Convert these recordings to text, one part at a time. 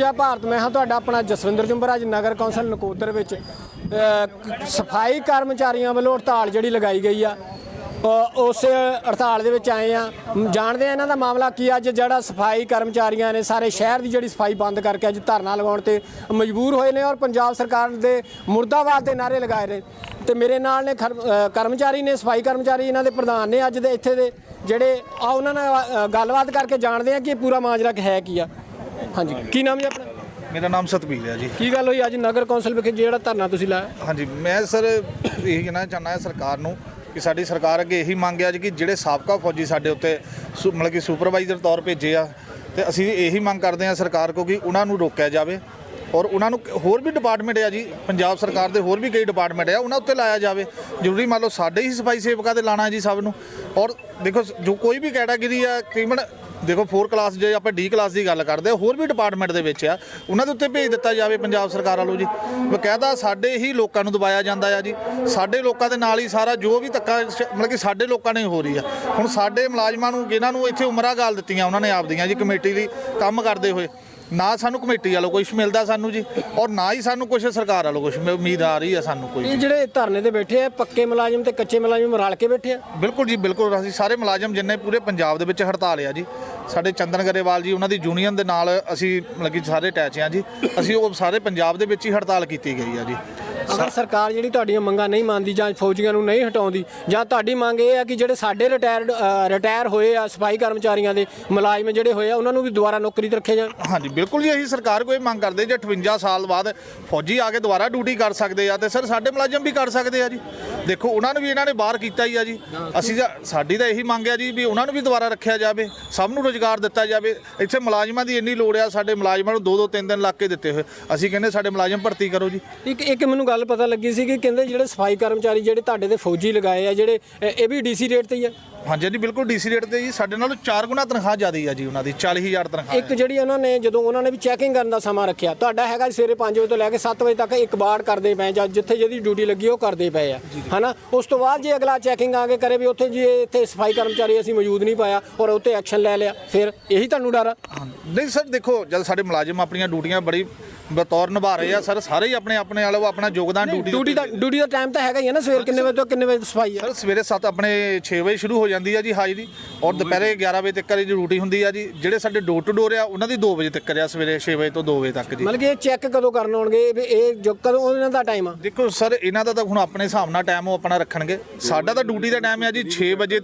जय भारत। मैं हाँ तुहाडा अपना जसविंदर जुंबर। अज नगर कौंसल नकोदर विच सफाई कर्मचारियों वालों हड़ताल जिहड़ी लगाई गई आ, उस हड़ताल दे विच आए हैं। जानते हैं इन्हां दा मामला की। अज जिहड़ा सफाई कर्मचारियों ने सारे शहर की जिहड़ी सफाई बंद करके अज धरना लगाउण ते मजबूर होए ने और पंजाब सरकार दे मुर्दाबाद के नारे लगाए ने। तो मेरे नाल ने कर्मचारी ने, सफाई कर्मचारी इन्हां दे प्रधान ने अज दे इत्थे दे जिहड़े आ, उन्हां नाल गलबात करके जानते हैं कि पूरा माजरा है की आ। हाँ जी, की नाम जी अपना? मेरा नाम सतबीर है जी। की गल हुई अज नगर कौंसल विखे जिहड़ा धरना तुसीं लाया? हाँ जी, मैं सर यही कहना चाहना है सरकार नूं कि साडी सरकार अगे यही मंग है जी कि जिहड़े साबका फौजी साडे उत्ते मतलब कि सुपरवाइजर तौर भेजे आ, ते असीं यही मंग करते हैं सरकार को कि उन्हां नूं रोकिया जाए और उन्होंने होर भी डिपार्टमेंट है जी, पंजाब सरकार के होर भी कई डिपार्टमेंट है उन्होंने उत्ते लाया जाए। जरूरी मान लो साढ़े ही सफाई सेवकों से लाना है जी सब नूं। और देखो जो कोई भी कैटागरी है तकरीबन देखो 4 क्लास जो आप डी क्लास की गल करते होर भी डिपार्टमेंट के उन्होंने उत्ते भेज दिता जाए पंजाब सरकार वालों जी। बकायदा साढ़े ही लोगों को दबाया जाता है जी, साढ़े लोगों के नाल ही सारा जो भी धक्का मतलब कि साढ़े लोगों ने हो रही है। हुण साढ़े मुलाजमां नूं जिन्होंने इत्थे उमरां गाल दित्तियां उन्होंने आपदियां जी कमेटी लई काम करते हुए, ना सानू कमेटी वालों कुछ मिलता सानू जी और ना ही सानू कुछ सरकार वालों कुछ उम्मीद आ रही है सानू कोई। ਜਿਹੜੇ ਧਰਨੇ ਤੇ ਬੈਠੇ ਆ ਪੱਕੇ ਮੁਲਾਜ਼ਮ ਤੇ ਕੱਚੇ ਮੁਲਾਜ਼ਮ ਰਲ ਕੇ ਬੈਠੇ ਆ? बिल्कुल जी बिल्कुल। ਅਸੀਂ ਸਾਰੇ ਮੁਲਾਜ਼ਮ ਜਿੰਨੇ ਪੂਰੇ ਪੰਜਾਬ ਦੇ ਵਿੱਚ ਹੜਤਾਲ ਆ ਜੀ। ਸਾਡੇ ਚੰਦਨ ਗਰੇਵਾਲ ਜੀ ਉਹਨਾਂ ਦੀ ਯੂਨੀਅਨ ਦੇ ਨਾਲ ਅਸੀਂ ਮਤਲਬ ਕਿ ਸਾਰੇ ਅਟੈਚ ਆ ਜੀ। ਅਸੀਂ ਉਹ ਸਾਰੇ ਪੰਜਾਬ ਦੇ ਵਿੱਚ ਹੀ ਹੜਤਾਲ ਕੀਤੀ ਗਈ ਆ ਜੀ। ਅਗਰ ਸਰਕਾਰ ਜਿਹੜੀ ਤੁਹਾਡੀਆਂ ਮੰਗਾਂ ਨਹੀਂ ਮੰਨਦੀ ਜਾਂ ਫੌਜੀਆਂ ਨੂੰ ਨਹੀਂ ਹਟਾਉਂਦੀ, ਜਾਂ ਤੁਹਾਡੀ ਮੰਗ ਇਹ ਆ ਕਿ ਜਿਹੜੇ ਸਾਡੇ ਰਿਟਾਇਰ ਹੋਏ ਆ ਸਫਾਈ ਕਰਮਚਾਰੀਆਂ ਦੇ ਮੁਲਾਜ਼ਮ ਜਿਹੜੇ ਹੋਏ ਆ ਉਹਨਾਂ ਨੂੰ ਵੀ ਦੁਬਾਰਾ ਨੌਕਰੀ ਤੇ ਰੱਖਿਆ ਜਾਵੇ? ਹਾਂਜੀ ਬਿਲਕੁਲ ਜੀ, ਅਸੀਂ ਸਰਕਾਰ ਕੋਈ ਮੰਗ ਕਰਦੇ ਜੇ 58 ਸਾਲ ਬਾਅਦ ਫੌਜੀ ਆ ਕੇ ਦੁਬਾਰਾ ਡਿਊਟੀ ਕਰ ਸਕਦੇ ਆ ਤੇ ਸਰ ਸਾਡੇ ਮੁਲਾਜ਼ਮ ਵੀ ਕਰ ਸਕਦੇ ਆ ਜੀ। ਦੇਖੋ ਉਹਨਾਂ ਨੂੰ ਵੀ ਇਹਨਾਂ ਨੇ ਬਾਹਰ ਕੀਤਾ ਹੀ ਆ ਜੀ। ਅਸੀਂ ਸਾਡੀ ਤਾਂ ਇਹੀ ਮੰਗ ਆ ਜੀ ਵੀ ਉਹਨਾਂ ਨੂੰ ਵੀ ਦੁਬਾਰਾ ਰੱਖਿਆ ਜਾਵੇ, ਸਭ ਨੂੰ ਰੁਜ਼ਗਾਰ ਦਿੱਤਾ ਜਾਵੇ। ਇੱਥੇ ਮੁਲਾਜ਼ਮਾਂ ਦੀ ਇੰਨੀ ਲੋੜ ਆ, ਸਾਡੇ ਮੁਲਾਜ਼ਮਾਂ ਨੂੰ 2-2 3 ਲੱਖ ਕੇ ਦਿੱਤੇ ਹੋਏ। ਅਸੀਂ ਕਹਿੰਦੇ ਸਾਡੇ ਮੁਲਾਜ਼ਮ ਭਰਤੀ ਕਰੋ ਜੀ। ਇੱਕ ਮੈਨੂੰ ਗੱਲ ਪਤਾ ਲੱਗੀ ਸੀ ਕਿ ਕਹਿੰਦੇ ਜਿਹੜੇ ਸਫਾਈ ਕਰਮਚਾਰੀ ਜਿਹੜੇ ਤੁਹਾਡੇ ਤੇ ਫੌਜੀ ਲਗਾਏ ਆ ਜਿਹੜੇ ਇਹ ਵੀ ਡੀਸੀ ਰੇਟ ਤੇ ਹੀ ਆ? ਹਾਂਜੀ ਜੀ ਬਿਲਕੁਲ ਡੀਸੀ ਰੇਟ ਤੇ ਜੀ। ਸਾਡੇ ਨਾਲੋਂ 4 ਗੁਣਾ ਤਨਖਾਹ ਜ਼ਿਆਦਾ ਆ ਜੀ ਉਹਨਾਂ ਦੀ, 40,000 ਤਨਖਾਹ। ਇੱਕ ਜਿਹੜੀ ਉਹਨਾਂ ਨੇ ਜਦੋਂ ਉਹਨਾਂ ਨੇ ਵੀ ਚੈਕਿੰਗ ਕਰਨ ਦਾ ਸਮਾਂ ਰੱਖਿਆ, ਤੁਹਾਡਾ ਹੈਗਾ ਸਵੇਰੇ 5 ਵਜੇ ਤੋਂ ਲੈ ਕੇ 7 ਵਜੇ ਤੱਕ ਇੱਕ ਬਾੜ ਕਰਦੇ ਪਏ ਜਾਂ ਜਿੱਥੇ ਜਿਹਦੀ ਡਿਊਟੀ ਲੱਗੀ ਉਹ ਕਰਦੇ ਪਏ ਆ, ਹਨਾ। ਉਸ ਤੋਂ ਬਾਅਦ ਜੇ ਅਗਲਾ ਚੈਕਿੰਗ ਆ ਕੇ ਕਰੇ ਵੀ ਉੱਥੇ ਜੀ ਇੱਥੇ ਸਫਾਈ ਕਰਮਚਾਰੀ ਅਸੀਂ ਮੌਜੂਦ ਨਹੀਂ ਪਾਇਆ ਔਰ ਉੱਤੇ ਐਕਸ਼ਨ ਲੈ ਲਿਆ, ਫਿਰ ਇਹੀ ਤੁਹਾਨੂੰ ਡਰ ਆ? ਨਹੀਂ ਸਰ ਦੇਖੋ, ਜਦ ਸਾਡੇ ਮੁਲਾਜ਼ਮ ਆਪਣੀਆਂ ਡਿਊਟੀਆਂ ਬੜੀ ਬਤੌਰ ਨਿਭਾ ਰਹੇ ਆ ਸਰ, ਸਾਰੇ ਹੀ ਆਪਣੇ ਵਾਲੇ ਆਪਣਾ ਯੋਗਦਾਨ ਡਿਊਟੀ ਦਾ ਟਾਈਮ ਤਾਂ ਹੈਗਾ ਹੀ ਹੈ ਨਾ। ਸਵੇਰ ਕਿੰਨੇ ਵਜੇ ਤੋਂ ਕਿੰਨੇ ਵਜੇ ਸਫਾਈ ਆ? ਸਰ ਸਵੇਰੇ 7 ਆਪਣੇ 6 ਵਜੇ ਸ਼ੁਰੂ ਹੋ ਜਾਂਦੀ ਆ ਜੀ ਹਾਜ਼ਰੀ ਔਰ ਦੁਪਹਿਰੇ 11 ਵਜੇ ਤੱਕ ਦੀ ਡਿਊਟੀ ਹੁੰਦੀ ਆ ਜੀ। ਜਿਹੜੇ ਸਾਡੇ ਡੋਰ ਟੂ ਡੋਰ ਆ ਉਹਨਾਂ ਦੀ 2 ਵਜੇ ਤੱਕ ਆ, ਸਵੇਰੇ 6 ਵਜੇ ਤੋਂ 2 ਵਜੇ ਤੱਕ ਜੀ। ਮਤਲਬ ਕਿ ਇਹ ਚੈੱਕ ਕਦੋਂ ਕਰਨ ਆਉਣਗੇ? ਇਹ ਕਦੋਂ ਉਹਨਾਂ ਦਾ ਟਾਈਮ ਆ? ਦੇਖੋ ਸਰ ਇਹਨਾਂ ਦਾ ਤਾਂ ਹੁਣ ਆਪਣੇ ਹਿਸਾਬ ਨਾਲ ਟਾਈਮ ਉਹ ਆਪਣਾ ਰੱਖਣਗੇ। ਸਾਡਾ ਤਾਂ ਡਿਊਟੀ ਦਾ ਟਾਈਮ ਆ ਜੀ 6 ਵਜੇ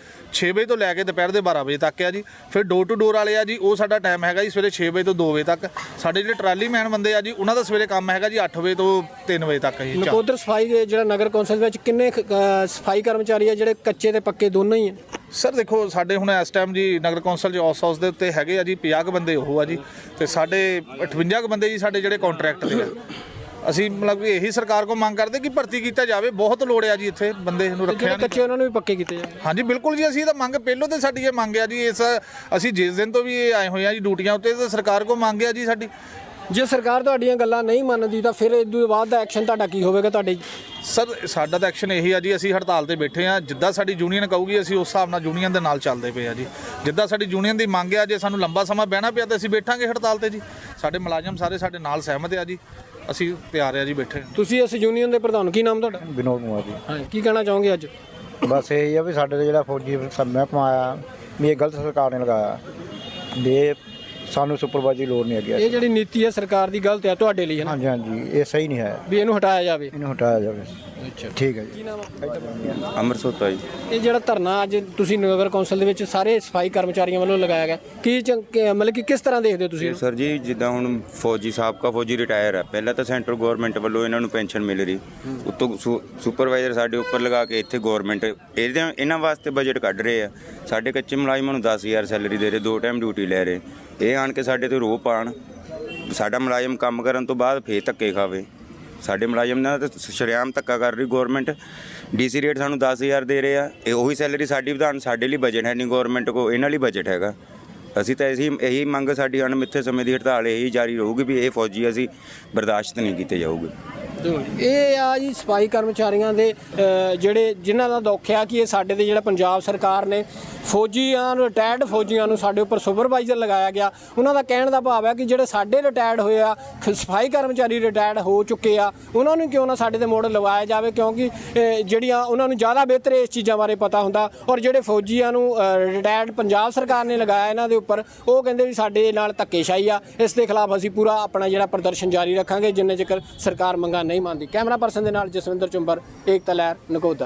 ਤੋਂ ਲੈ ਕੇ ਦੁਪਹਿਰ ਦੇ 12 ਵਜੇ ਤੱਕ ਆ ਜੀ। ਫਿਰ ਡੋਰ ਟੂ ਡੋਰ ਵਾਲੇ ਆ ਜੀ, ਉਹ ਸਾਡਾ ਟਾਈਮ ਹੈਗਾ ਜੀ ਸਵੇਰੇ 6 ਵਜੇ ਤੋਂ 2 ਵਜੇ ਤੱਕ। ਸਾਡੇ ਜਿਹੜੇ ਟਰਾਲੀ ਮੈਨ ਬੰਦੇ ਆ ਜੀ ਉਹਨਾਂ ਦਾ ਸਵੇਰੇ ਕੰਮ ਹੈਗਾ ਜੀ 8 ਵਜੇ ਤੋਂ 3 ਵਜੇ ਤੱਕ ਜੀ। ਨਕੋਦਰ ਸਫਾਈ ਜਿਹੜਾ ਨਗਰ ਕੌਂਸਲ ਵਿੱਚ ਕਿੰਨੇ ਸਫਾਈ ਕਰਮਚਾਰੀ ਆ ਜਿਹੜੇ ਕੱਚੇ ਤੇ ਪੱਕੇ ਦੋਨੋਂ ਹੀ ਆ? ਸਰ ਦੇਖੋ ਸਾਡੇ ਹੁਣ ਇਸ ਟਾਈਮ ਜੀ ਨਗਰ ਕੌਂਸਲ 'ਚ ਔਸ ਹਾਊਸ ਦੇ ਉੱਤੇ ਹੈਗੇ ਆ ਜੀ 50 ਬੰਦੇ ਉਹ ਆ ਜੀ, ਤੇ ਸਾਡੇ 58 ਬੰਦੇ ਜੀ ਸਾਡੇ ਜਿਹੜੇ ਕੰਟਰੈਕਟ ਦੇ ਆ। ਅਸੀਂ ਮਤਲਬ ਕਿ ਇਹੀ ਸਰਕਾਰ ਕੋਲ ਮੰਗ ਕਰਦੇ ਕਿ ਭਰਤੀ ਕੀਤਾ ਜਾਵੇ, ਬਹੁਤ ਲੋੜ ਆ ਜੀ ਇੱਥੇ ਬੰਦੇ ਨੂੰ ਰੱਖਿਆ। ਕੱਚੇ ਉਹਨਾਂ ਨੂੰ ਵੀ ਪੱਕੇ ਕੀਤੇ ਜਾਵੇ? ਹਾਂਜੀ ਬਿਲਕੁਲ ਜੀ, ਅਸੀਂ ਤਾਂ ਮੰਗ ਪਹਿਲੋਂ ਤੇ ਸਾਡੀ ਇਹ ਮੰਗ ਆ ਜੀ। ਅਸੀਂ ਜਿਸ ਦਿਨ ਤੋਂ ਵੀ ਆਏ ਹੋਏ ਆ ਜੀ ਡਿਊਟੀਆਂ ਉੱਤੇ, ਤਾਂ ਸਰਕਾਰ ਕੋਲ ਮੰਗ ਆ ਜੀ ਸਾਡੀ। ਜੇ ਸਰਕਾਰ ਤੁਹਾਡੀਆਂ ਗੱਲਾਂ ਨਹੀਂ ਮੰਨਦੀ ਤਾਂ ਫਿਰ ਇਸ ਤੋਂ ਬਾਅਦ ਦਾ ਐਕਸ਼ਨ ਤੁਹਾਡਾ ਕੀ ਹੋਵੇਗਾ? ਤੁਹਾਡੇ ਸਰ ਸਾਡਾ ਤਾਂ ਐਕਸ਼ਨ ਇਹੀ ਆ ਜੀ, ਅਸੀਂ ਹੜਤਾਲ ਤੇ ਬੈਠੇ ਆ। ਜਿੱਦਾਂ ਸਾਡੀ ਯੂਨੀਅਨ ਕਹੂਗੀ ਅਸੀਂ ਉਸ ਹਿਸਾਬ ਨਾਲ ਯੂਨੀਅਨ ਦੇ ਨਾਲ ਚੱਲਦੇ ਪਏ ਆ ਜੀ। ਜਿੱਦਾਂ ਸਾਡੀ ਯੂਨੀਅਨ ਦੀ ਮੰਗ ਆ, ਜੇ ਸਾਨੂੰ ਲੰਬਾ ਸਮਾਂ ਬਹਿਣਾ ਪਿਆ ਤਾਂ ਅਸੀਂ ਬੈਠਾਂਗੇ ਹੜਤਾਲ ਤੇ ਜੀ। ਸਾਡੇ ਮੁਲਾਜ਼ਮ ਸਾਰੇ ਸਾਡੇ ਨਾਲ ਸਹਿਮਤ ਆ ਜੀ, ਅਸੀਂ ਤਿਆਰ ਆ ਜੀ ਬੈਠੇ। ਤੁਸੀਂ ਇਸ ਯੂਨੀਅਨ ਦੇ ਪ੍ਰਧਾਨ, ਕੀ ਨਾਮ ਤੁਹਾਡਾ? ਵਿਨੋਦ ਕੁਮਾਰ ਜੀ। ਹਾਂ, ਕੀ ਕਹਿਣਾ ਚਾਹੋਗੇ ਅੱਜ? ਬਸ ਇਹ ਆ ਵੀ ਸਾਡੇ ਤੇ ਜਿਹੜਾ ਫੌਜੀ ਮਹਿਕਮਾ ਆਇਆ ਵੀ ਇਹ ਗਲਤ ਸਰਕਾਰ ਨੇ ਲਗਾਇਆ ਵੀ ਸਾਨੂੰ ਸੁਪਰਵਾਈਜ਼ਰ ਦੀ ਲੋੜ ਨਹੀਂ ਹੈਗੀ। ਇਹ ਜਿਹੜੀ ਨੀਤੀ ਹੈ ਸਰਕਾਰ ਦੀ ਗਲਤ ਹੈ ਤੁਹਾਡੇ ਲਈ, ਹੈ ਨਾ? ਹਾਂਜੀ ਹਾਂਜੀ, ਇਹ ਸਹੀ ਨਹੀਂ ਹੈ ਵੀ ਇਹਨੂੰ ਹਟਾਇਆ ਜਾਵੇ। ਇਹਨੂੰ ਹਟਾਇਆ ਜਾਵੇ। ਅੱਛਾ ਠੀਕ ਹੈ ਜੀ। ਕੀ ਨਾਮ ਅੰਮ੍ਰਿਤਸਰ ਜੀ। ਇਹ ਜਿਹੜਾ ਧਰਨਾ ਅੱਜ ਤੁਸੀਂ ਨਗਰ ਕੌਂਸਲ ਦੇ ਵਿੱਚ ਸਾਰੇ ਸਫਾਈ ਕਰਮਚਾਰੀਆਂ ਵੱਲੋਂ ਲਗਾਇਆ ਗਿਆ, ਮਤਲਬ ਕਿ ਕਿਸ ਤਰ੍ਹਾਂ ਦੇਖਦੇ ਹੋ ਤੁਸੀਂ? ਸਰ ਜੀ ਜਿੱਦਾਂ ਹੁਣ ਫੌਜੀ ਸਾਬਕਾ ਫੌਜੀ ਰਿਟਾਇਰ ਆ, ਪਹਿਲਾਂ ਤਾਂ ਸੈਂਟਰ ਗਵਰਨਮੈਂਟ ਵੱਲੋਂ ਇਹਨਾਂ ਨੂੰ ਪੈਨਸ਼ਨ ਮਿਲ ਰਹੀ, ਉੱਤੋਂ ਸੁਪਰਵਾਈਜ਼ਰ ਸਾਡੇ ਉੱਪਰ ਲਗਾ ਕੇ ਇੱਥੇ ਗਵਰਨਮੈਂਟ ਇਹਨਾਂ ਵਾਸਤੇ ਬਜਟ ਕੱਢ ਰਹੇ ਆ। ਸਾਡੇ ਕੱਚੇ ਮੁਲਾਜ਼ਮਾਂ ਨੂੰ 10,000 ਸੈਲਰੀ ਦੇ ਰਹੇ, 2 ਟਾਈਮ ਡਿਊਟੀ ਲੈ ਰਹੇ। ਇਹ ਆਣ ਕੇ ਸਾਡੇ ਤੇ ਰੋਹ ਪਾਉਣ, ਸਾਡਾ ਮੁਲਾਜ਼ਮ ਕੰਮ ਕਰਨ ਤੋਂ ਬਾਅਦ ਫੇਰ ਧੱਕੇ ਖਾਵੇ। ਸਾਡੇ ਮੁਲਾਜ਼ਮ ਨਾਲ ਤਾਂ ਸ਼ਰੇਆਮ ਧੱਕਾ ਕਰ ਰਹੀ ਗੌਰਮੈਂਟ। ਡੀਸੀ ਰੇਟ ਸਾਨੂੰ 10,000 ਦੇ ਰਹੇ ਆ, ਇਹ ਉਹੀ ਸੈਲਰੀ ਸਾਡੀ ਵਧਾਉਣ। ਸਾਡੇ ਲਈ ਬਜਟ ਹੈ ਨਹੀਂ ਗੌਰਮੈਂਟ ਕੋਲ, ਇਹਨਾਂ ਲਈ ਬਜਟ ਹੈਗਾ। ਅਸੀਂ ਤਾਂ ਇਹੀ ਮੰਗ, ਸਾਡੀ ਅਣਮਿੱਥੇ ਸਮੇਂ ਦੀ ਹੜਤਾਲ ਇਹੀ ਜਾਰੀ ਰਹੂਗੀ ਵੀ ਇਹ ਫੌਜੀ ਅਸੀਂ ਬਰਦਾਸ਼ਤ ਨਹੀਂ ਕੀਤੇ ਜਾਊਗੇ। ਇਹ ਆ ਜੀ ਸਫਾਈ ਕਰਮਚਾਰੀਆਂ ਦੇ ਜਿਹੜੇ ਜਿਨ੍ਹਾਂ ਦਾ ਦੁੱਖ ਆ ਕਿ ਇਹ ਸਾਡੇ ਤੇ ਜਿਹੜਾ ਪੰਜਾਬ ਸਰਕਾਰ ਨੇ ਫੌਜੀਆਂ ਨੂੰ ਰਿਟਾਇਰਡ ਫੌਜੀਆਂ ਨੂੰ ਸਾਡੇ ਉੱਪਰ ਸੁਪਰਵਾਈਜ਼ਰ ਲਗਾਇਆ ਗਿਆ। ਉਹਨਾਂ ਦਾ ਕਹਿਣ ਦਾ ਭਾਵ ਹੈ ਕਿ ਜਿਹੜੇ ਸਾਡੇ ਰਿਟਾਇਰਡ ਹੋਏ ਆ ਸਫਾਈ ਕਰਮਚਾਰੀ ਰਿਟਾਇਰਡ ਹੋ ਚੁੱਕੇ ਆ ਉਹਨਾਂ ਨੂੰ ਕਿਉਂ ਨਾ ਸਾਡੇ ਤੇ ਮੋੜ ਲਵਾਇਆ ਜਾਵੇ, ਕਿਉਂਕਿ ਜਿਹੜੀਆਂ ਉਹਨਾਂ ਨੂੰ ਜ਼ਿਆਦਾ ਬਿਹਤਰ ਇਸ ਚੀਜ਼ਾਂ ਬਾਰੇ ਪਤਾ ਹੁੰਦਾ। ਔਰ ਜਿਹੜੇ ਫੌਜੀਆਂ ਨੂੰ ਰਿਟਾਇਰਡ ਪੰਜਾਬ ਸਰਕਾਰ ਨੇ ਲਗਾਇਆ ਇਹਨਾਂ ਦੇ ਉੱਪਰ, ਉਹ ਕਹਿੰਦੇ ਵੀ ਸਾਡੇ ਨਾਲ ਧੱਕੇਸ਼ਾਹੀ ਆ। ਇਸ ਦੇ ਖਿਲਾਫ ਅਸੀਂ ਪੂਰਾ ਆਪਣਾ ਜਿਹੜਾ ਪ੍ਰਦਰਸ਼ਨ ਜਾਰੀ ਰੱਖਾਂਗੇ ਜਿੰਨੇ ਚਿਰ ਸਰਕਾਰ ਮੰਗਾਂ ਨਹੀਂ ਮੰਨਦੀ। ਕੈਮਰਾ ਪਰਸਨ ਦੇ ਨਾਲ ਜਸਵਿੰਦਰ ਚੁੰਬਰ, ਏਕਤਾ ਲਹਿਰ, ਨਕੋਦਰ।